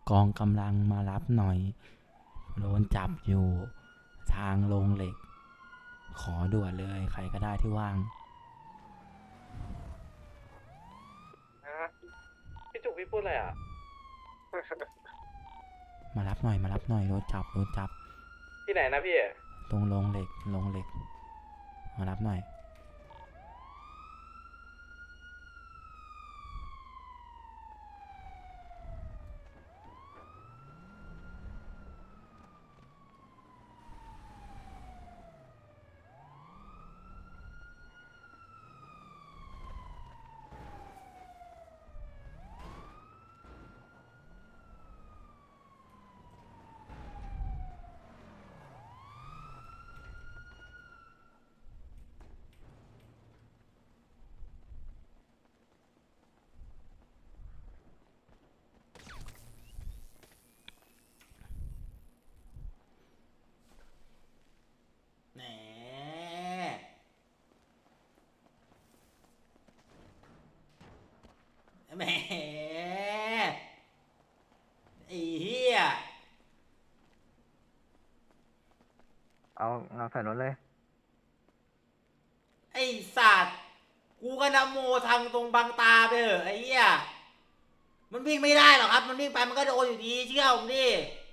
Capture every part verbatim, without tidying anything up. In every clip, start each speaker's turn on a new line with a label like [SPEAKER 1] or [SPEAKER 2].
[SPEAKER 1] กองกำลังมารับหน่อยโดนจับอยู่ทางโรงเหล็กขอด่วนเลยใครก็ได้ที่ว่าง
[SPEAKER 2] ฮะพี่จุกพี่พูดอะไรอ่ะ
[SPEAKER 1] มารับหน่อยมารับหน่อยโดนจับโดนจับ
[SPEAKER 2] ที่ไหนนะพี่
[SPEAKER 1] ตรงโรงเหล็กโรงเหล็กมารับหน่อยแหมแหมไอ้เหี้ย
[SPEAKER 3] เอาเอาใส่รถเลย
[SPEAKER 1] ไอ้สัตว์กูก็นะโมทางตรงบางตาไปเถอะไอ้เหี้ยมันวิ่งไม่ได้หรอกครับมันวิ่งไปมันก็โดนอยู่ดีเชื่อผมดิ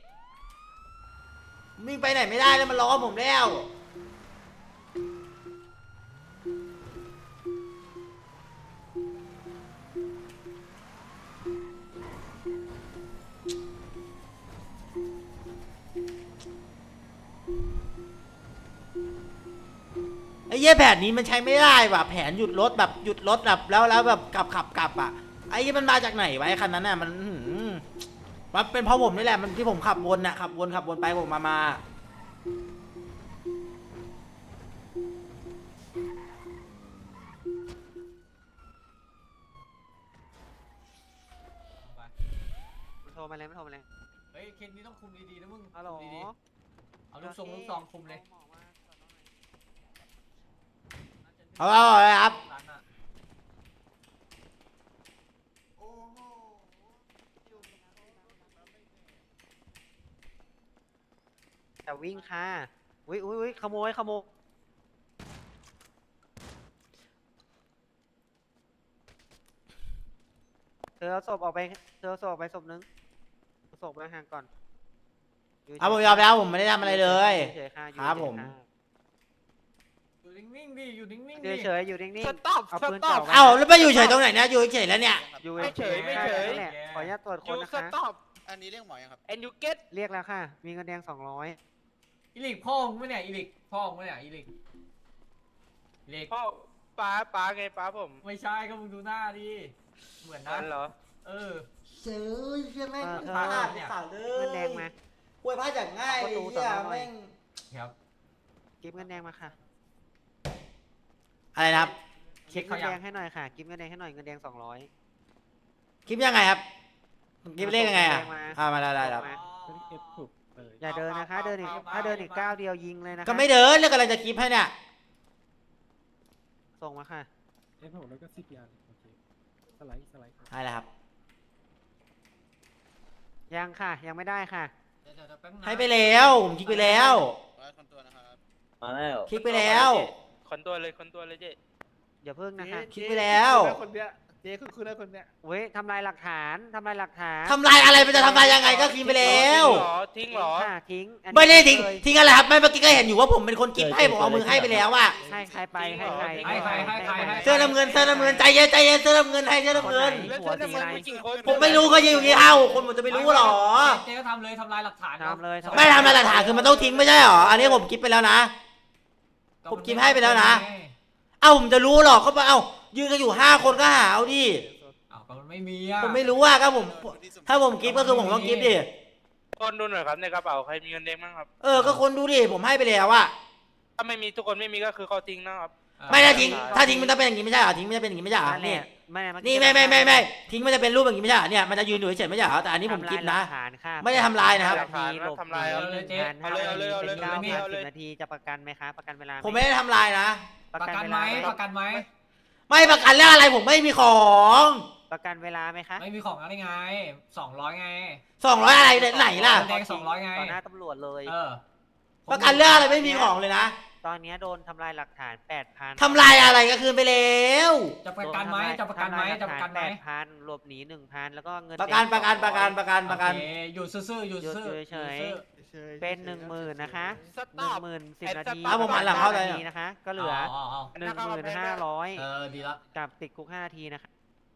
[SPEAKER 1] วิ่งไปไหนไม่ได้แล้วมันล้อผมแล้วไอ้เหี้ยแผนนี้มันใช้ไม่ได้ว่ะแผนหยุดรถแบบหยุดรถแบบแล้วแล้วแบบกลับขับกลับอ่ะไอ้เหี้ยมันมาจากไหนวะไอ้คันนั้นน่ะมันมันเป็นเพราะผมนี่แหละมันที่ผมขับวนน่ะขับวนขับวนไปผมมามา
[SPEAKER 3] มันโทรมาเลยมันโทรมาเลย
[SPEAKER 4] เฮ้ยเคนนี้ต้องคุมดีๆนะมึง
[SPEAKER 3] ฮัลโหล
[SPEAKER 4] คุมดีๆเอาลูกทรงลูกซองคุมเลย
[SPEAKER 1] เอาเอาเอาเลยครับ
[SPEAKER 4] ร้านน่ะ
[SPEAKER 3] จะวิ่งค่ะอุ้ยอุ้ยอุ้ยขโมยขโมยเธอเอาศพออกไปเธอเอาศพออกไปศพนึงเอาศพไปห่างก่อน
[SPEAKER 1] เอาผมยอมแล้วผมไม่ได้ทำอะไรเลย
[SPEAKER 3] เฉยๆค่ะอยู่
[SPEAKER 1] ครับผม
[SPEAKER 4] อยู่นิ่งๆดิอยู่นิ่งๆ
[SPEAKER 3] เฉ
[SPEAKER 4] ดิ
[SPEAKER 3] ยๆเฉยๆอยู่นิ่งๆ
[SPEAKER 5] สต็อป
[SPEAKER 3] เอา
[SPEAKER 5] ส
[SPEAKER 3] ปืน
[SPEAKER 5] ต็อ
[SPEAKER 3] จ่อ
[SPEAKER 5] ป
[SPEAKER 3] ไว้
[SPEAKER 1] เอ้าแล้วไปอยู่เฉยตรงไหนเนี่ยอยู่เฉยแล้วเนี่ย
[SPEAKER 3] อยู่
[SPEAKER 5] ไม่เฉยไม่เฉย
[SPEAKER 3] นั่นแหละขออนุญาตตรวจ
[SPEAKER 5] อ
[SPEAKER 3] คน
[SPEAKER 5] ยู่
[SPEAKER 3] นะ
[SPEAKER 5] ส
[SPEAKER 3] คะ
[SPEAKER 5] ต็อป
[SPEAKER 6] อันนี้เรียกหมอยังครับ
[SPEAKER 5] and you get
[SPEAKER 3] เรียกแล้วค่ะ มีเงินแดงสองร้อย
[SPEAKER 4] อีลิกพ่อมึงไม่เนี่ยอีลิกพ่อมึงไม่เนี่ยอีลิกอีลิก
[SPEAKER 5] พ่อป้าป้าไงป้าผม
[SPEAKER 4] ไม่ใช่ก็มึงดูหน้าดิเหมือนนะ
[SPEAKER 5] นั่นเหรอ
[SPEAKER 4] เออ
[SPEAKER 1] เฉยใช่ไหม
[SPEAKER 3] เออ
[SPEAKER 1] พลาดเนี่ยเล
[SPEAKER 3] เงินแดงมา
[SPEAKER 1] ป่วยพลาดจากง่ายเลยเนี่ยแม่ง
[SPEAKER 4] ครับ
[SPEAKER 3] เก็บเงินแดงมาค่ะ
[SPEAKER 1] อะไรนะครับ
[SPEAKER 4] เช็
[SPEAKER 3] เก็
[SPEAKER 4] ค
[SPEAKER 3] บเงิ
[SPEAKER 4] เขา
[SPEAKER 3] น
[SPEAKER 4] ยั
[SPEAKER 3] แด
[SPEAKER 4] ง
[SPEAKER 3] งให้หน่อยค่ะเก็บเงินแดงให้หน่อยเงินแดงสองร้อย
[SPEAKER 1] คลิปยังไงครับคลิปเลขยังไงอ่ะ
[SPEAKER 3] มา
[SPEAKER 1] อ่ามาได้ได้ครับ
[SPEAKER 3] มาอย่าเดินนะคะ เดินอีกถ้าเดินอีกก้าวเดียวยิงเลยนะคะ
[SPEAKER 1] ก็ไม่เดินแล้วกำลังจะคลิปให้เนี่ย
[SPEAKER 3] ส่งมาค่ะ
[SPEAKER 7] เอฟหกแล้วก็สิบยานโอเคสไลด์สไลด์
[SPEAKER 1] ได้แล้วครับ
[SPEAKER 3] ยังค่ะ ยังไม่ได้ค่ะ
[SPEAKER 4] เดี๋ยวๆๆแป๊บนึงนะ
[SPEAKER 1] ให้ไปแล้วผมคลิกไปแล้ว
[SPEAKER 6] ร้อยคนตัวนะครับ
[SPEAKER 8] มาแล้ว
[SPEAKER 1] คลิกไปแล้ว
[SPEAKER 5] คนตัวเลยคนตัวเลยเจ๊
[SPEAKER 3] อย่าเพิ่งนะคะ
[SPEAKER 1] คลิกไปแล้ว
[SPEAKER 7] คนเนี้ยเจ๊คุณคุณได้คนเนี้ย
[SPEAKER 3] เว้ยทำลายหลักฐานทำลายหลักฐาน
[SPEAKER 1] ทำลายอะไรมันจะทำลายยังไงก็คลิกไปแล้ว
[SPEAKER 5] ทิ้งเหรอ
[SPEAKER 3] ค่ะทิ้งอันนี้
[SPEAKER 1] ไม่ได้ทิ้ง
[SPEAKER 3] เลย
[SPEAKER 1] ทิ้งอะไรครับไม่เมื่อกี้ก็เห็นอยู่ว่าผมเป็นคนคลิปให้ผมเอามือให้ไปแล้วอ่ะ
[SPEAKER 3] ให้ใครไปให้ใคร
[SPEAKER 4] ให้ใครให้ใครให้
[SPEAKER 1] เสื้อน้ำเงินเสื้อน้ำเงินใจเย็นใจเย็นเสื้อน้ำเงินให้เสื้อน้ำเงิน
[SPEAKER 5] แล้วเธอจะมากี่คน
[SPEAKER 1] ผมไม่รู้เขาจะอยู่กี่เอ้าคนผมจะไปรู้หรอ
[SPEAKER 4] เจ๊ก็ทำเลยทำลายหลักฐาน
[SPEAKER 3] ทำเลย
[SPEAKER 1] ไม่ทำอะไรหลักฐานคือมันต้องทิ้งไม่ใช่หรออันนี้ผมคลิปไปแล้วนะ ผมคลิปให้ไปแล้วนะ เอ้าผมจะรู้หรอกก็เอ้ายืนกันอยู่ห้าคนก็หาเอาดิ
[SPEAKER 4] อ้าวก็มันไม่มีอ่ะ
[SPEAKER 1] ผมไม่รู้ว่าก็ผมถ้าผมคลิปก็คือผมต้องคลิปดิ
[SPEAKER 5] คนดูหน่อยครับในกระเป๋าใครมีเงินแดงบ้างครับ
[SPEAKER 1] เออก็คนดูดิผมให้ไปแล้วอะ
[SPEAKER 5] ถ้าไม่มีทุกคนไม่มีก็คือเขาทิ้งนะครับ
[SPEAKER 1] ไม่ได้ทิ้งถ้าทิ้งมันจะเป็นอย่างนี้ไม่ใช่เหรอทิ้งมันจะเป็นอย่างนี้ไม่ใช่เหรอ
[SPEAKER 3] นั่นแห
[SPEAKER 1] นี่
[SPEAKER 3] ละไม่เอ
[SPEAKER 1] นี่ไม่ไม่ไม่ไม่ทิ้งมันจะเป็นรูปอย่างนี้ไม่ใช่เหรอเนี่ยมันจะยืนอยู่เฉยๆไม่ใช่เหรอแต่อันนี้ผมคลิปนะ
[SPEAKER 3] ทำลายหลักฐานค่ะ
[SPEAKER 1] ไม่ได้ทำลายนะครับ
[SPEAKER 3] นาทีหลบ
[SPEAKER 5] ทำลายเอาเลย
[SPEAKER 3] หนึ่งพัน
[SPEAKER 5] เอาเลยเอาเลยเอาเลย
[SPEAKER 3] เป็นเก้า
[SPEAKER 5] เอา
[SPEAKER 3] พัน
[SPEAKER 5] เลย
[SPEAKER 3] สิบนาทีจะประกันไหมคะประกันเวลาห
[SPEAKER 1] ผมไม่ได้ทำลายนะ
[SPEAKER 3] ประ
[SPEAKER 4] ประ
[SPEAKER 3] กัน
[SPEAKER 4] กัน
[SPEAKER 3] เว
[SPEAKER 4] ไหม
[SPEAKER 3] ลา
[SPEAKER 4] ประกันไหม
[SPEAKER 1] ไม่ประกันเรื่องอะไรผมไม่มีของ
[SPEAKER 3] ประกันเวลาไหมคะ
[SPEAKER 4] ไม่มีของอะไรไงสองร้อยไง
[SPEAKER 1] สองร้อยอะไรไหนล่ะ
[SPEAKER 4] แดงสองร้อยไง
[SPEAKER 3] ต่อหน้าตำรวจเลย
[SPEAKER 4] เออ
[SPEAKER 1] ประกันเรื่องอะไรไม่มีของเลยนะ
[SPEAKER 3] ตอนเนี้ยโดนทำลายหลักฐานแปดพัน
[SPEAKER 1] ทำลายอะไรก็คืนไปแล้ว
[SPEAKER 4] จะประกันไหมจะประกันไหมจะประกันไหม
[SPEAKER 3] แปดพันหลบหนีหนึ่งพันแล้วก็เงิน
[SPEAKER 1] ประกันประกันประกันประกันประกัน
[SPEAKER 4] โอเคอยู่ซื่อๆอยู่ซื่อ
[SPEAKER 3] อยู่
[SPEAKER 4] ๆ
[SPEAKER 3] เฉย
[SPEAKER 4] ซื่อ
[SPEAKER 3] เป็นหนึ่งหมื่นนะคะ
[SPEAKER 5] ส
[SPEAKER 3] ห
[SPEAKER 5] ต็
[SPEAKER 3] นึ่
[SPEAKER 5] อง ป
[SPEAKER 3] หมื่นสิบนาที
[SPEAKER 1] เอาผมหันหลังเข้าเลย
[SPEAKER 3] นาทีนะคะ ก็
[SPEAKER 4] ๆ
[SPEAKER 3] เหลือ
[SPEAKER 4] เอาเอา
[SPEAKER 3] หนึ่งหมื่นห้าร้อย
[SPEAKER 4] เออดีละ
[SPEAKER 3] กับติดคุกห้านาทีนะคะ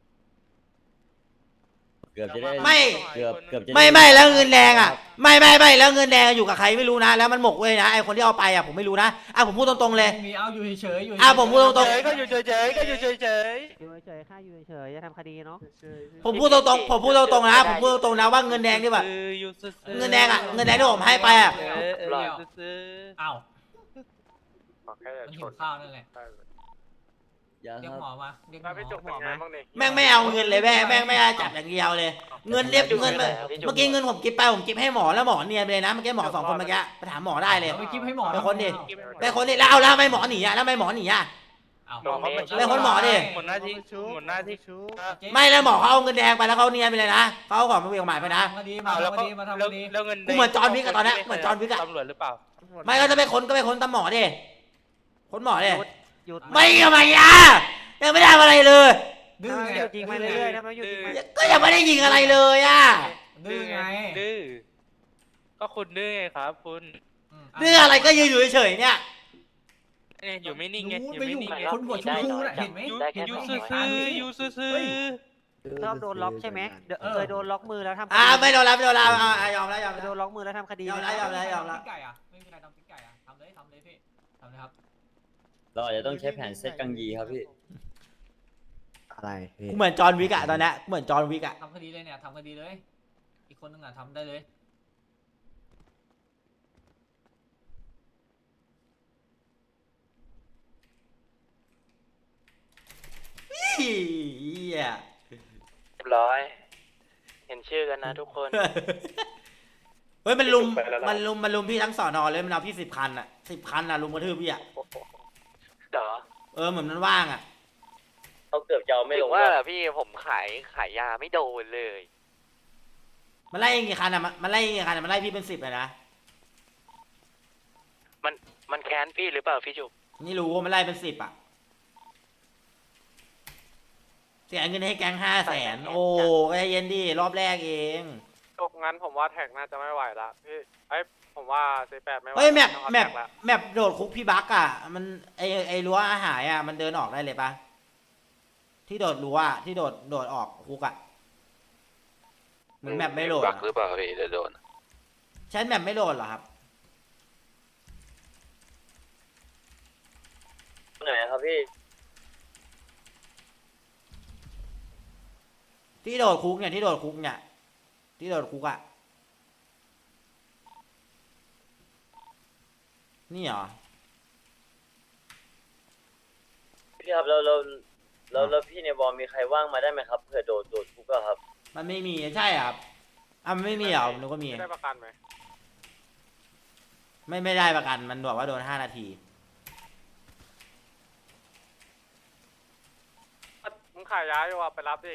[SPEAKER 8] เกือบจะได้
[SPEAKER 1] ไม่
[SPEAKER 8] เกือบเกือบจะด้
[SPEAKER 1] ไม่ไม่แล้วเงินแดงอ่ะไม่ไม่ไม่แล้วเงินแดงอยู่กับใครไม่รู้นะ แล้วมันหมกเว้ยนะไอคนที่เอาไปอ่ะผมไม่รู้นะอ่ะผมพูดตรงๆเลย
[SPEAKER 4] ไม่มีเอาอยู่เฉยๆอยู่
[SPEAKER 1] อ่ะผมพูดตรง
[SPEAKER 5] เฉยก็อยู่เฉยๆก็อยู่เฉย
[SPEAKER 3] อยู่เฉยๆค่าอยู่เฉยๆจะทำคดีเนาะ
[SPEAKER 1] ผมพูดตรงๆผมพูดตรงๆนะผมพูดตรงๆนะว่าเงินแดงที่แบบ
[SPEAKER 5] คืออยู่ซื่อๆ
[SPEAKER 1] เงินแดงอ่ะเงินแดงที่ผมให้ไปอ่ะ
[SPEAKER 5] เออเอออยู่ซื่อ
[SPEAKER 4] อ้าว
[SPEAKER 2] แค่จะ
[SPEAKER 4] มัน
[SPEAKER 2] ช
[SPEAKER 4] หิ
[SPEAKER 2] น
[SPEAKER 4] วข้าวนั่นแหละ
[SPEAKER 8] ยัง
[SPEAKER 4] เรียก
[SPEAKER 8] ค
[SPEAKER 4] หม
[SPEAKER 8] รั
[SPEAKER 4] อบ มาเรียกห
[SPEAKER 2] ถ้าพี่จุก
[SPEAKER 4] ม
[SPEAKER 2] เป็น
[SPEAKER 4] อ
[SPEAKER 2] ไง
[SPEAKER 4] มา
[SPEAKER 2] บ้างนี่
[SPEAKER 1] แม่งไม่เอาเงินเลยแม่แม่งไม่ได้จับอย่างเดียวเลย เงินเรียบเงินเมื่อกี้เงินผมกิฟไปผมกิฟให้หมอแล้วหมอเนียนไปเลยนะเมื่อกี้หมอสองคนเมื่อกี้ไปถามหมอได้เลย
[SPEAKER 4] เอาไปกิฟให้หมอ
[SPEAKER 1] ไปคนดิ
[SPEAKER 4] เอา
[SPEAKER 1] ไปคนนี้แล้วเอาแล้วทำไมหมอหนีอ่ะแล้วทำไมหมอหนีอ่ะ
[SPEAKER 4] เอา
[SPEAKER 5] หมอเขาเป็น
[SPEAKER 1] ไปคนหมอดิ
[SPEAKER 5] หมดหน้าที่หมดหน้าที่
[SPEAKER 1] ไม่แล้วหมอเขาเอาเงินแดงไปแล้วเขาเนียนไปเลยนะเขาเอาของมาเวียงหมายไปนะ
[SPEAKER 4] ทำคดีมา
[SPEAKER 5] เอาแล้ว
[SPEAKER 4] ทำค
[SPEAKER 5] ก็
[SPEAKER 4] ดีมาทำค
[SPEAKER 5] แล้ว
[SPEAKER 4] ดี
[SPEAKER 5] แล้วเงิน
[SPEAKER 1] กูเหมือนจอห์นวิกอะตอนเนี้ยเหมือนจอห์นวิกอะ
[SPEAKER 5] ตำรวจหรือเปล่า
[SPEAKER 1] ไม่ก็จะไปค้นก็ไปค้นตามหมอดิค้นหมอดิ
[SPEAKER 3] หยุด
[SPEAKER 1] ไม่ทำไมอ่ะยังไม่ได้ทำอะไรเลย
[SPEAKER 4] ดื้อ
[SPEAKER 3] ถ้ามัน
[SPEAKER 4] ไง
[SPEAKER 3] หยุดยิงไปเรื่อยๆถ้ามันหยุดยิงไป
[SPEAKER 1] ก็ยังไม่ได้ยิงอะไรเลยอ่ะ
[SPEAKER 4] ดื้อไง
[SPEAKER 5] ดื้อก็คุณดื้อไงครับคุณ
[SPEAKER 4] ม
[SPEAKER 1] เรื่องอะไรก็ยืนอยู่เฉยๆเนี่ย
[SPEAKER 5] เนี่ยอยู่ไม่นิ่งไง
[SPEAKER 4] รู้
[SPEAKER 5] อยู่
[SPEAKER 4] ไป
[SPEAKER 5] ไม่
[SPEAKER 4] อยู่
[SPEAKER 5] นิ่งไง
[SPEAKER 4] คนหัวชมพูน่ะเห็นไหม
[SPEAKER 5] อยู่
[SPEAKER 4] เห็น
[SPEAKER 5] อยู่
[SPEAKER 4] ไหม
[SPEAKER 5] ซื่อ
[SPEAKER 4] เห็นไหม
[SPEAKER 5] ๆอยู่ซื่อ
[SPEAKER 3] ชอบโดนล็อกใช่ไหมเดี๋ยว
[SPEAKER 4] เออ
[SPEAKER 3] เคยโดนล็อกมือแล้วทำค
[SPEAKER 1] อ่า
[SPEAKER 3] ดี
[SPEAKER 1] ไม่โดนแล้วไม่โดนแล้วอ่ะอ่ะยอมแล้วยอม
[SPEAKER 3] เคย
[SPEAKER 1] แล้
[SPEAKER 3] โด
[SPEAKER 1] วน
[SPEAKER 3] ล็อกมือแล้วทำคดี
[SPEAKER 1] ยอมแล้วยอมแล้วยอมแล้ว
[SPEAKER 4] ติ๊กไก่อะไม่มีใครทำติ๊กไก่อะทำเลยทำเลยพี่ทำเลยครับ
[SPEAKER 8] เราอาจจะต้องใช้แผนเซตกังยีครับพี่
[SPEAKER 7] อะไรพี่
[SPEAKER 1] กูเหมือนจอห์นวิกอะตอนเนี้ยเหมือนจอห์นวิกอะ
[SPEAKER 4] ทำคดีเลยเนี่ยทำคดีเลย อีกคนนึงอะทำได้เลย
[SPEAKER 1] เหี้ย
[SPEAKER 5] ๆเรียบร้อย เห็นชื่อกันนะทุกคน
[SPEAKER 1] เฮ้ยมันลุมมันลุมมันลุมพี่ทั้งสอนอเลยมันเอาพี่สิบคันอะสิบคันอะลุมกระทืบพี่อะ
[SPEAKER 5] เดี๋ยว
[SPEAKER 1] เออเหมือนมันว่างอะ
[SPEAKER 8] เขาเกือบจะเอาไม่
[SPEAKER 5] ถึ
[SPEAKER 8] ล
[SPEAKER 5] ง
[SPEAKER 8] ง
[SPEAKER 5] ว่า
[SPEAKER 8] ว่า
[SPEAKER 5] พี่ผมขายขายยาไม่โดนเลย
[SPEAKER 1] มันไล่กี่คันอะมันมันไล่กี่คันอะมันไล่พี่เป็นสิบเลยนะ
[SPEAKER 5] มันมันแค้นพี่หรือเปล่าพี่จุก
[SPEAKER 1] นี่รู้ว่ามันไล่เป็นสิบอะเสียเงินให้แก๊งห้าแสนโอ้ใจเย็นดิรอบแรกเอง
[SPEAKER 2] จบงั้นผมว่าแท็กน่าจะไม่ไหวละพี่ไอ้ยผมว่าซีแปดไม่ไหว
[SPEAKER 1] เฮ้ยแมป
[SPEAKER 2] ต้องเอา
[SPEAKER 1] แมป
[SPEAKER 2] ท็กละ
[SPEAKER 1] แมปโดดคุกพี่บักอะมันไอไอรั้วอาหารอะมันเดินออกได้เลยปะที่โดดรั้วอะที่โดดโดดออกคุกอะเหมือนแมปไม่โหลด
[SPEAKER 5] บั
[SPEAKER 1] อะ
[SPEAKER 5] กหรือเปล่าพี่เดี๋ยวโดน
[SPEAKER 1] ใช้แมปไม่โหลดเหรอครับ
[SPEAKER 8] ไหนครับพี่
[SPEAKER 1] ที่โดดคุกเนี่ยที่โดดคุกเนี่ยที่โดดคุกอะนี่เหรอ
[SPEAKER 8] พี่ครับเราเราเราเราพี่ในบอลมีใครว่างมาได้ไหมครับเผื่อโดดโดดคุกอะครับ
[SPEAKER 1] มันไม่มีใช่เหรอครับอ่ะมันไม่มีเหรอหนูก็มี
[SPEAKER 2] ได้ประกันไหม
[SPEAKER 1] ไม่ไม่ได้ประกันมันบอกว่าโดนห้านาที
[SPEAKER 2] มึงขายยาอยู่อ่ะไปรับดิ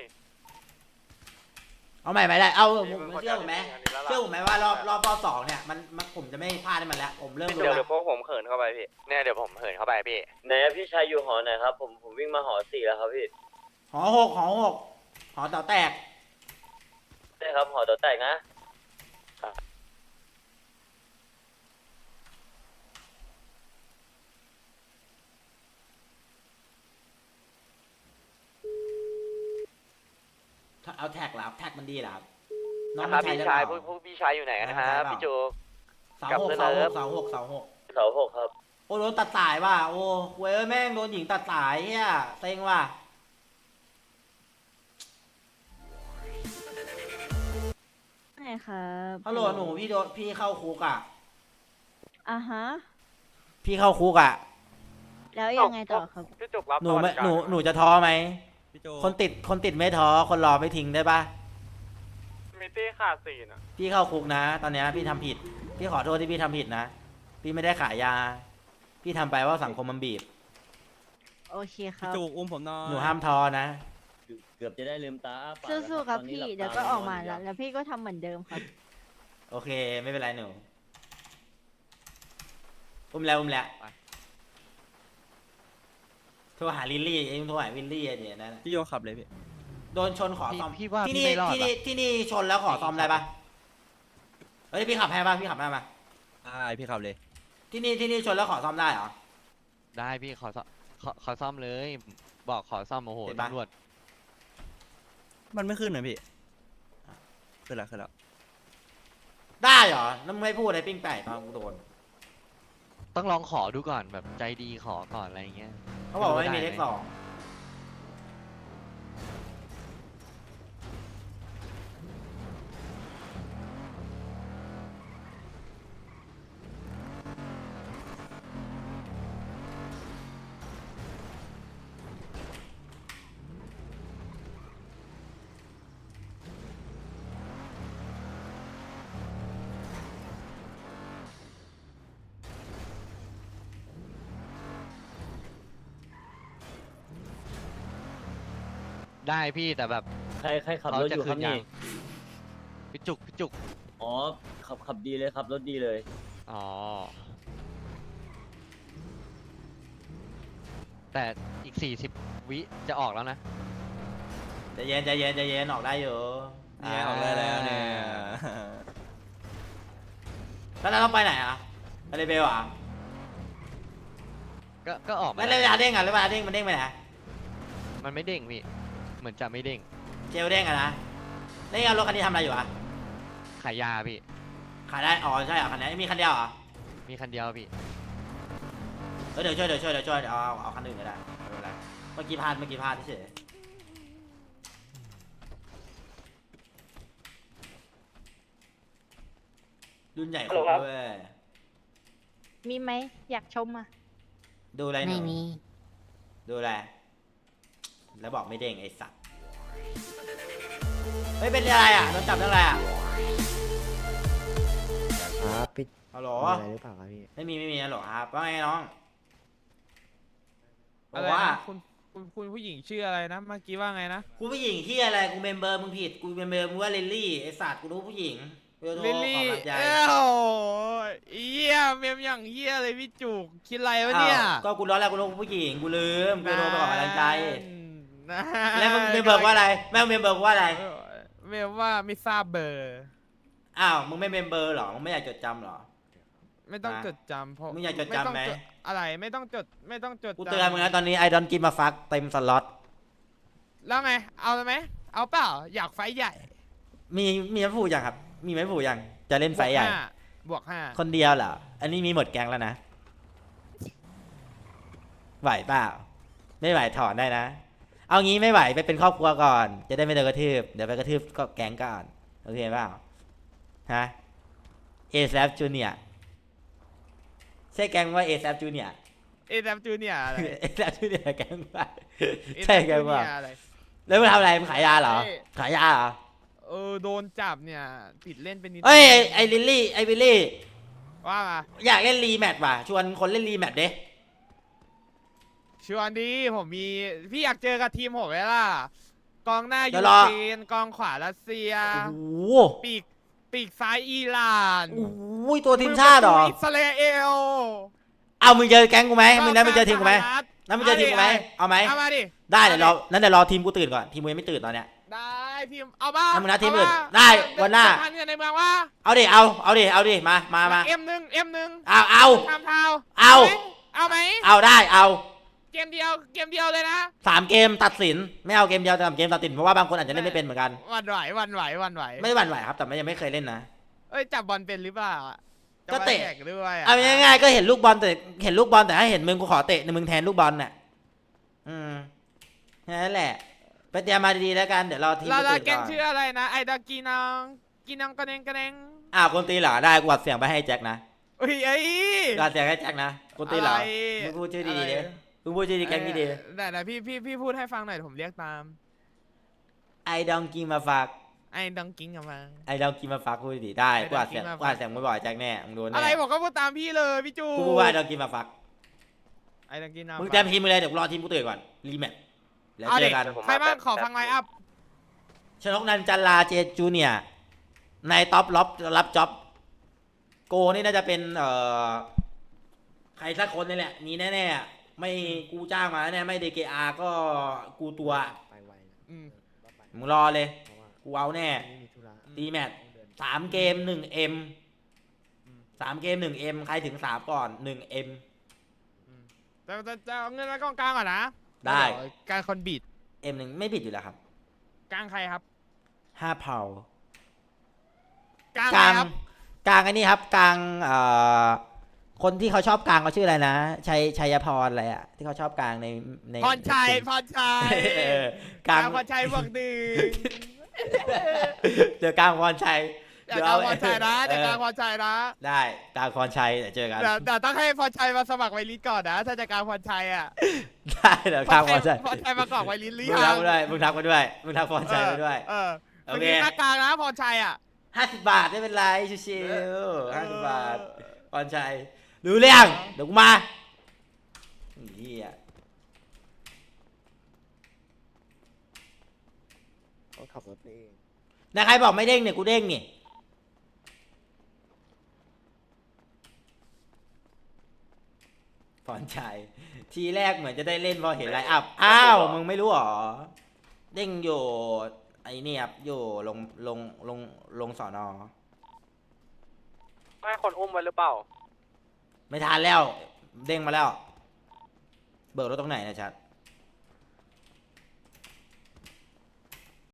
[SPEAKER 1] เอาใหม่ไปได้เอา
[SPEAKER 2] มี
[SPEAKER 1] ผม
[SPEAKER 2] มึงคน
[SPEAKER 1] เชื่อผมไหม
[SPEAKER 2] เดียวที่มีอันนี้แล้วล่ะ
[SPEAKER 1] เชื่อผมไหมว่ารอบรอบรอบสองเนี่ยมันมันผมจะไม่พลาดให้มันแล้วผมเริ่มรู้
[SPEAKER 5] เดี๋ยว
[SPEAKER 1] แล้
[SPEAKER 5] เดี๋ยว วพวกผมเขินเข้าไปพี่เนี่ยเดี๋ยวผมเขินเข้าไปพี่
[SPEAKER 8] ไหนอะพี่ชายอยู่หอไหนครับผมผมวิ่งมาหอสี่แล้วครับพี่
[SPEAKER 1] หอหกหอหกหอเต่าแตก
[SPEAKER 8] ได้ครับหอตัวแตกนะ
[SPEAKER 1] เอาแท็กเหรอครับแท็กมันดีเหรอครับน้อง
[SPEAKER 5] นะค
[SPEAKER 1] มั
[SPEAKER 5] รั
[SPEAKER 1] น
[SPEAKER 5] บ
[SPEAKER 1] ใช้
[SPEAKER 5] พี่
[SPEAKER 1] ได้
[SPEAKER 5] ชาย
[SPEAKER 1] เป
[SPEAKER 5] พว
[SPEAKER 1] ล่าก
[SPEAKER 5] พวกพี่ชายอยู่ไหนกันนะครับพี่จู
[SPEAKER 1] เสาหกเสาหกเสาหกเสาหก
[SPEAKER 8] เสาหกครับ
[SPEAKER 1] โอ้โดนตัดสายว่ะโอ้เว้ยแม่งโดนหญิงตัดสายเฮียเซ็งว่ะ
[SPEAKER 9] ใช่ครับ
[SPEAKER 1] ฮัลโหลหนูพี่โดนพี่เข้าคุกอ่ะ
[SPEAKER 9] อ่ะฮะ
[SPEAKER 1] พี่เข้าคุกอ่ะ
[SPEAKER 9] แล้วยังไงต่อครับ
[SPEAKER 2] พี่จุกรับ
[SPEAKER 1] หนูไม่
[SPEAKER 2] สวัสดิการ
[SPEAKER 1] หนูหนูจะท้อไหมคนติดคนติดไม่ท้อคนรอไม่ทิ้งได้ปะ
[SPEAKER 2] มิตี้ขาดสี่น่ะ
[SPEAKER 1] พี่เข้าคุกนะ ตอนเนี้ยพี่ทำผิด พี่ขอโทษที่พี่ทำผิดนะ พี่ไม่ได้ขายยา พี่ทำไปว่าสังคมมันบีบ
[SPEAKER 9] โอเคครับ
[SPEAKER 7] จูกอุ้มผมหน่อย
[SPEAKER 1] หนูห้ามท้อนะ
[SPEAKER 8] เกือบจะได้ลืมตาอ้าปาก
[SPEAKER 9] สู้ๆครับ
[SPEAKER 8] ตอนนี้
[SPEAKER 9] พี่
[SPEAKER 8] หลับตา
[SPEAKER 9] เดี๋ยวก็ออกมา
[SPEAKER 8] อนยู่
[SPEAKER 9] แล้ว แล้วพี่ก็ทำเหมือนเดิมครับ
[SPEAKER 1] โอเค ไม่เป็นไรหนูอุ้มแล้วอุ้มแล้วโทรหาลิลลี่เองโทรหาวิลลี่อะเนี่ยนั่นน่ะ
[SPEAKER 10] พี่โยขับเลยพี่
[SPEAKER 1] โดนชนขอ
[SPEAKER 10] พี่
[SPEAKER 1] ซ่อม
[SPEAKER 10] พี่ว่า
[SPEAKER 1] ที่
[SPEAKER 10] พี่
[SPEAKER 1] นี่
[SPEAKER 10] ไม่รอด
[SPEAKER 1] ที่นี่
[SPEAKER 10] ว่ะ
[SPEAKER 1] ที่นี่ชนแล้วขอซ่อมได้ปะเฮ้ยพี่ขับให้ปะพี่ขับให้ปะ
[SPEAKER 10] อ่าพี่ขับเลย
[SPEAKER 1] ที่นี่ที่นี่ชนแล้วขอซ่อมได้เหรอ
[SPEAKER 11] ได้พี่ขอซ่อมขอขอซ่อมเลย บอกขอซ่อมโอ้โห
[SPEAKER 1] เห็นปะ
[SPEAKER 11] ตำรวจ
[SPEAKER 10] มันไม่ขึ้นนะพี่ขึ้นแล้วขึ้นแล้ว
[SPEAKER 1] ได้เหรอแล้วมึงไม่พูดอะไรปิ้งไก่ตอนกูโดน
[SPEAKER 11] ต้องลองขอดูก่อนแบบใจดีขอก่อนอะไรอย่างเงี้ย
[SPEAKER 1] เขาบอกว่าไม่มี
[SPEAKER 11] ด้
[SPEAKER 1] เลข
[SPEAKER 11] ไห
[SPEAKER 1] สอง
[SPEAKER 11] ได้พี่แต่แบบ
[SPEAKER 8] ใครใครขับ
[SPEAKER 11] เขา
[SPEAKER 8] รถ
[SPEAKER 11] จะ
[SPEAKER 8] อยู่ค
[SPEAKER 11] คื
[SPEAKER 8] รับ
[SPEAKER 11] นยั
[SPEAKER 8] นี่
[SPEAKER 11] ง พี่จุกพี่จุก
[SPEAKER 8] อ๋อขับขับดีเลยครับรถดีเลย
[SPEAKER 11] อ๋อ แต่อีกสี่สิบวิจะออกแล้วนะ
[SPEAKER 1] ใจเย็นใจเย็นใจเย็นออกได้อยู่
[SPEAKER 10] เนี่ยออกได้แล้วเนี่ย
[SPEAKER 1] แล้วเราต้องไปไหนอ่ะไปเลเบลอ่ะ
[SPEAKER 11] ก็ก็ออกมา
[SPEAKER 1] แล้วเวลาเด้งอ่ะแล้วเวลาเด้งมันเด้งไปไหน
[SPEAKER 11] มันไม่เด้งพี่เหมือนจะไม่เด้ง
[SPEAKER 1] เจลเด้งอะนะเด้งเอารถคันนี้ทำอะไรอยู่อ่ะ
[SPEAKER 11] ขายยาพี่
[SPEAKER 1] ขายได้อ๋อใช่เหรอคันนี้มีคันเดียวเหรอ
[SPEAKER 11] มีคันเดียวพี่
[SPEAKER 1] เออเดี๋ยวช่วยเดี๋ยวช่วยเดี๋ยวช่วยเดี๋ยวเอาเอาคันอื่นก็ได้ไม่เป็นไรเมื่อกี้พลาดเมื่อกี้พลาดเฉยรุ่นใหญ่ครบด้วย
[SPEAKER 9] มีไหมอยากชมอ่ะ
[SPEAKER 1] ดูอะไรหนูดูอะไรแล้วบอกไม่เด้งไอ้สัตว์เฮ้ยเป็นอะไรอ่ะโดนจับเรื่องอะไรอ่ะ
[SPEAKER 3] ครับพี่
[SPEAKER 1] ฮัลโหล
[SPEAKER 3] มีอะไรหรือเปล่าครับพี่
[SPEAKER 1] ไม่มีไม่มีฮัลโหลครับว่าไงน้องบ
[SPEAKER 12] อะ
[SPEAKER 1] อก
[SPEAKER 12] ไร
[SPEAKER 1] ว่า
[SPEAKER 12] นะคุณคุณคุณผู้หญิงชื่ออะไรนะเมื่อกี้ว่าไงนะ
[SPEAKER 1] กูผู้หญิงที่อะไรกูเมมเบอร์มึงผิดกูเมมเบอร์มึงว่าลิลลี่ไอ้สัตว์กูรู้ผู้หญิงกูจะโทร
[SPEAKER 12] ลิล
[SPEAKER 1] ขอ
[SPEAKER 12] ลี่
[SPEAKER 1] กำลังใจ
[SPEAKER 12] เอ้าเอี้ยเมมอย่างเฮียเลยพี่จุกคิดอะไรวะเนี่ย
[SPEAKER 1] อ้าวก็กูร้อนแล้วกูรู้ผู้หญิงกูลืมกูจะโทรไปขอกำลังใจ
[SPEAKER 12] นั่น
[SPEAKER 1] แล้วมึงเมมเบอร์ว่าอะไรแม่งเมมเบอร์ว่าอะไร
[SPEAKER 12] เออเมมว่าไม่ทราบเบอร์
[SPEAKER 1] อ้าวมึงไม่เมมเบอร์หรอมึงไม่อยากจดจำหรอ
[SPEAKER 12] ไม่ต้อง
[SPEAKER 1] อ่ะ
[SPEAKER 12] จดจำเพราะ
[SPEAKER 1] มึงอยากจด
[SPEAKER 12] ไม่ต้อง
[SPEAKER 1] จำไหม
[SPEAKER 12] จอะไรไม่ต้องจดไม่ต้องจด
[SPEAKER 1] กู
[SPEAKER 12] จำ
[SPEAKER 1] เตือนมึงแล้วตอนนี้ไอดอนกินมาฟักเต็มสล็อต
[SPEAKER 12] แล้วไงเอาเลยไหมเอาเปล่าอยากไฟท์ใหญ่
[SPEAKER 1] มีมีไม่ผูกยังครับ มีไม่ผูกยังจะเล่นไฟใหญ่
[SPEAKER 12] บวกาบวกห้า
[SPEAKER 1] คนเดียวเหรออันนี้มีหมดแกงแล้วนะไหวเปล่าไม่ไหวถอนได้นะ เอางี้ไม่ไหวไปเป็นครอบครัวก่อน จะได้ไม่โดนกระทืบเดี๋ยวไปกระทืบก็แกงก่อนโอเคเปล่าฮะ เอ แซป Junior ใช่แกงว่า เอ แซป Junior
[SPEAKER 12] เอแซมจูเนียอะไร
[SPEAKER 1] เอ แซป Junior แกงว่า
[SPEAKER 12] เอ
[SPEAKER 1] ใช่แกงว่า
[SPEAKER 12] อะไร
[SPEAKER 1] แล้วมึงทำอะไรมึงขายยาเหรอ
[SPEAKER 12] ใช่
[SPEAKER 1] ขายยาเหรอ
[SPEAKER 12] เออโดนจับเนี่ยติดเล่นเป็นนิด
[SPEAKER 1] เอ้ยไอ้ไอ้ลิลลี่ไอ้วิลลี่
[SPEAKER 12] ว่ามา
[SPEAKER 1] อยากเล่นรีแมตช์ว่ะชวนคนเล่นรีแมตช์เด้
[SPEAKER 12] ชวนดีผมมีพี่อยากเจอกับทีมผมไหมล่ะกองหน้า
[SPEAKER 1] เดี๋
[SPEAKER 12] ยู
[SPEAKER 1] ยวรอ
[SPEAKER 12] เครนกองขวารัสเซีย
[SPEAKER 1] โอ้โห
[SPEAKER 12] ปีกปีกซ้ายอิหร่าน
[SPEAKER 1] โอ้ยตัวทีมชาติเหรอ
[SPEAKER 12] มืประตูอิสราเอล
[SPEAKER 1] เอามึงเจอแก๊งกูไหมมึงได้มึงเจอทีมกูไหม
[SPEAKER 12] สหรัฐ
[SPEAKER 1] นั่นมึงเจอทีมกูไหมเอาไหม
[SPEAKER 12] เอามาดิ
[SPEAKER 1] ได้เดี๋ยวรอนั้นเดี๋ยวรอทีมกูตื่นก่อนทีมกูยังไม่ตื่นตอนเนี้ย
[SPEAKER 12] ได้ทีมเอาบ้า
[SPEAKER 1] เอามึงนัดทีมอื่นได้วันหน้า
[SPEAKER 12] พันกันในเมืองว่า
[SPEAKER 1] เอาดิเอาเอาดิเอาดิมามามา
[SPEAKER 12] เอ็มหนึ่งเอ็มหนึ่ง
[SPEAKER 1] เอาเอา
[SPEAKER 12] ทำเท้า
[SPEAKER 1] เอา
[SPEAKER 12] เอาไหม
[SPEAKER 1] เอาได้เอา
[SPEAKER 12] เกมเดียวเกมเดียวเลยนะ
[SPEAKER 1] สามเกมตัดสินไม่เอาเกมเดียวแต่สามเกมตัดสินเพราะว่าบางคนอาจจะเล่นไม่เป็นเหมือนกัน
[SPEAKER 12] หวันไหวหวันไหวหวันไหว
[SPEAKER 1] ไม่ได้หวั่นไหวครับแต่ไม่ยังไม่เคยเล่นนะ
[SPEAKER 12] เอ้ยจับบอลเป็นหรือเปล่าอะ
[SPEAKER 1] ก็เตะ
[SPEAKER 12] จมาแข่งด้วยะ
[SPEAKER 1] เอาง่ายๆก็เห็นลูกบอลแต่เห็นลูกบอลแต่ให้เห็นมึงกูขอเตะในมึงแทนลูกบอลน่ะอืมแค่นั้นแหละไปเตรียมมาดีๆแล้วกันเดี๋ยวรอทีม
[SPEAKER 12] ลา
[SPEAKER 1] กู
[SPEAKER 12] ลา
[SPEAKER 1] ตื่น
[SPEAKER 12] แก
[SPEAKER 1] ก่
[SPEAKER 12] ง
[SPEAKER 1] อน
[SPEAKER 12] ชื่ออะไรนะไอดากีนองกีนองกระเดงกระเดง
[SPEAKER 1] อ้าวคนตีเหรอได้กูอัดเสียงไปให้แจ็คนะ
[SPEAKER 12] เอ้ยไอ้
[SPEAKER 1] กูอัดเสียงให้แจ็คนะคนตีเหรอ
[SPEAKER 12] อะไร
[SPEAKER 1] มึงพูดชื่อดีๆ
[SPEAKER 12] อะไร
[SPEAKER 1] ดิมึงพูดชื่อดีแก๊งดี
[SPEAKER 12] ไหนไหนพี่พี่พี่พูดให้ฟังหน่อยผมเรียกตาม
[SPEAKER 1] ไอดองกินมาฝาก
[SPEAKER 12] ไอ้ดองกิ้งกับมา
[SPEAKER 1] ไอดองกินมาฝากพูดดีๆได้
[SPEAKER 12] ไอ้
[SPEAKER 1] กูอัดเสียง
[SPEAKER 12] ดองกินมาฝาก
[SPEAKER 1] กูอัดเสียงบ่อยๆแจ็คแน่มึงโดน
[SPEAKER 12] อะไร
[SPEAKER 1] แน่
[SPEAKER 12] ผมก็พูดตามพี่เลยพี่จู
[SPEAKER 1] กูพูดว่าไอดองกินมาฝาก
[SPEAKER 12] ไอ้ดองกิ้ง
[SPEAKER 1] มึงเตรียมทีมมึงเลยเดี๋ยวกูรอทีมกูตื่นก่อนรีแมตช์แล้ว
[SPEAKER 12] เอา
[SPEAKER 1] เจ
[SPEAKER 12] ดิ
[SPEAKER 1] อกัน
[SPEAKER 12] ใครบ้างขอฟังไลน์อัพ
[SPEAKER 1] ชนกนันจันลาเจจูเนียร์ในท็อปล็อบรับจ็อบโกนี่น่าจะเป็นเอ่อใครสักคนนี่แหละนี่แน่ๆอะไม่กูจ้างมาแน่ไม่เดเกอาก็กูตัว
[SPEAKER 12] อืม
[SPEAKER 1] มึงรอเลยกูเอาแน่ตีแมตช์สามเกมหนึ่งเอ็มสามเกมหนึ่งเอ็มใครถึงสามก่อนหนึ่งเอ็ม
[SPEAKER 12] จะจะจะเอาเงินไว้กองกลางก่อนนะ
[SPEAKER 1] ได้
[SPEAKER 12] เยวการคนบีด
[SPEAKER 1] เอ็มหนึ่งไม่ผิดอยู่แล้วครับ
[SPEAKER 12] กลางใครครับ
[SPEAKER 1] ห้าเผาก
[SPEAKER 12] ลาง
[SPEAKER 1] ก
[SPEAKER 12] ใคร
[SPEAKER 1] ลาง
[SPEAKER 12] ครับ
[SPEAKER 1] กลางอันนี้ครับกลางเอ่อคนที่เขาชอบกลางเขาชื่ออะไรนะชัยชัยพรอะไรอ่ะที่เขาชอบกลางในใน
[SPEAKER 12] พรชัยพรชัย
[SPEAKER 1] เออก
[SPEAKER 12] ก
[SPEAKER 1] ลา
[SPEAKER 12] ลาง งพรชัยบวกหนึ่ง
[SPEAKER 1] เจอกลางพรชัย
[SPEAKER 12] เดี๋ยวกลางพรชัยนะเดี๋ยวกลางพรชัยนะ
[SPEAKER 1] ได้กลางพรชัยเดี๋ยวเจอกัน
[SPEAKER 12] เดี๋ยวเดี๋ยวต้องให้พรชัยมาสมัครไวริสก่อนนะ ถ้าจะกลางพรชัยอ่ะ
[SPEAKER 1] ได้เดี๋ยวกลางพรชัย
[SPEAKER 12] พรชัยมากรอกไวริสหรื
[SPEAKER 1] มึ
[SPEAKER 12] อง ยั
[SPEAKER 1] ทัก
[SPEAKER 12] ง
[SPEAKER 1] มาด้วยมึงทักมาด้วยมึงทักพรชัยมาด้วย
[SPEAKER 12] เออ
[SPEAKER 1] โอ
[SPEAKER 12] เมื่อ
[SPEAKER 1] เค
[SPEAKER 12] กี้หน้ากลางนะพรชัยอ่ะ
[SPEAKER 1] ห้าสิบบาทไม่เป็นไรชิวๆห้าสิบบาทพรชัยรู้เรื่องเดี๋ยวกูมาเฮีย
[SPEAKER 3] ต้องขับรถเอง
[SPEAKER 1] นะใครบอกไม่เด้งเนี่ยกูเด้งนี่พรชัยทีแรกเหมือนจะได้เล่นพอเห็นไลน์อัพอ้าวมึงไม่รู้หรอเด้งอยู่ไอ้เนี่ยครับอยู่ลงลงลงลงสอนอ
[SPEAKER 2] ให้คนอุ้มไว้หรือเปล่า
[SPEAKER 1] ไม่ทันแล้วเด้งมาแล้ว เบิกรถตรงไหนนะชัด